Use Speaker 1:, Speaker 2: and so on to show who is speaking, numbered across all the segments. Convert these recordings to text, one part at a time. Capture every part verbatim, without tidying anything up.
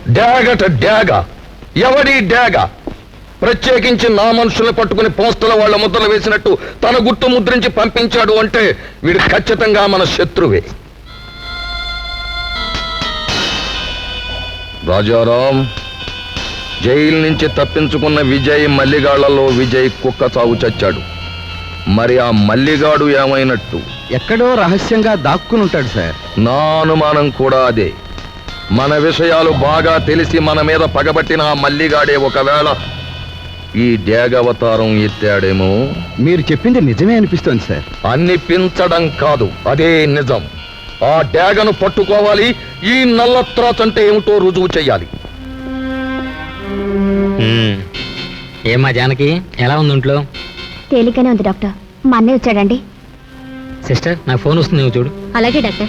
Speaker 1: డాగట డాగ ఎవడి డాగ? ప్రత్యేకించి నా మనుషుల్ని పట్టుకుని పోస్తల వాళ్ళ ముద్రలు వేసినట్టు తన గుర్తు ముద్రించి పంపించాడు అంటే వీడు ఖచ్చితంగా మన శత్రువే. రాజారాం, జైలు నుంచి తప్పించుకున్న విజయ్ మల్లిగాళ్లలో విజయ్ కుక్క చావు చచ్చాడు. మరి ఆ మల్లిగాడు ఏమైనట్టు?
Speaker 2: ఎక్కడో రహస్యంగా దాక్కుని ఉంటాడు సార్.
Speaker 1: నా అనుమానం కూడా అదే. మన విషయాలు బాగా తెలిసి మన మీద పగబట్టిన ఆ మల్లిగాడే ఒకవేళ ఈ డ్యాగవతారం ఎత్తాడేమో.
Speaker 2: మీరు చెప్పింది నిజమే అనిపిస్తోంది సార్.
Speaker 1: అనిపించడం కాదు, అదే నిజం. ఆ డ్యాగను పట్టుకోవాలి. ఈ నల్లత్రాచ్ అంటే ఏమిటో రుజువు చెయ్యాలి.
Speaker 3: ఏమా జానకి, ఎలా ఉంది ఇంట్లో?
Speaker 4: తేలికనే ఉంది డాక్టర్. మా అన్నయ్య వచ్చాడండి.
Speaker 3: సిస్టర్, నాకు ఫోన్ వస్తుంది, నువ్వు చూడు.
Speaker 4: అలాగే డాక్టర్.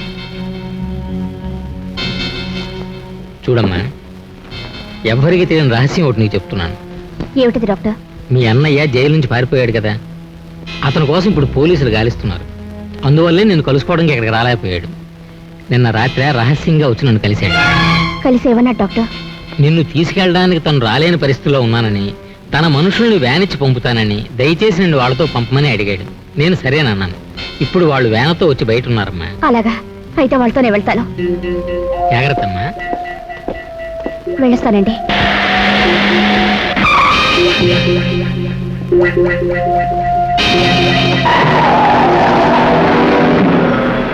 Speaker 3: చూడమ్మా, ఎవ్వరికి తెలియని రహస్యం ఒకటి నీకు చెప్తున్నాను.
Speaker 4: ఏమిటిది డాక్టర్?
Speaker 3: మీ అన్నయ్య జైలు నుంచి పారిపోయాడు కదా, అతని కోసం ఇప్పుడు పోలీసులు గాలిస్తున్నారు. అందువల్లే నేను కలుసుకోవడానికి ఇక్కడికి రాలేకపోయాడు. నిన్న రాత్రి రహస్యంగా వచ్చి నన్ను కలిశాడు.
Speaker 4: కలిసి ఏమన్నా డాక్టర్?
Speaker 3: నిన్ను తీసుకెళ్ళడానికి తను రాలేని పరిస్థితిలో ఉన్నానని, తన మనుషుల్ని వ్యానిచ్చి పంపుతానని, దయచేసి నిన్ను వాళ్ళతో పంపమని అడిగాడు. నేను సరేనన్నాను. ఇప్పుడు వాళ్ళు వ్యానతో వచ్చి బయట ఉన్నారమ్మా.
Speaker 4: అలాగా, అయితే వాళ్ళతోనే వెళ్తాను.
Speaker 3: జాగ్రత్త అమ్మా.
Speaker 4: వెళ్ళొస్తానండి.
Speaker 5: Yeah.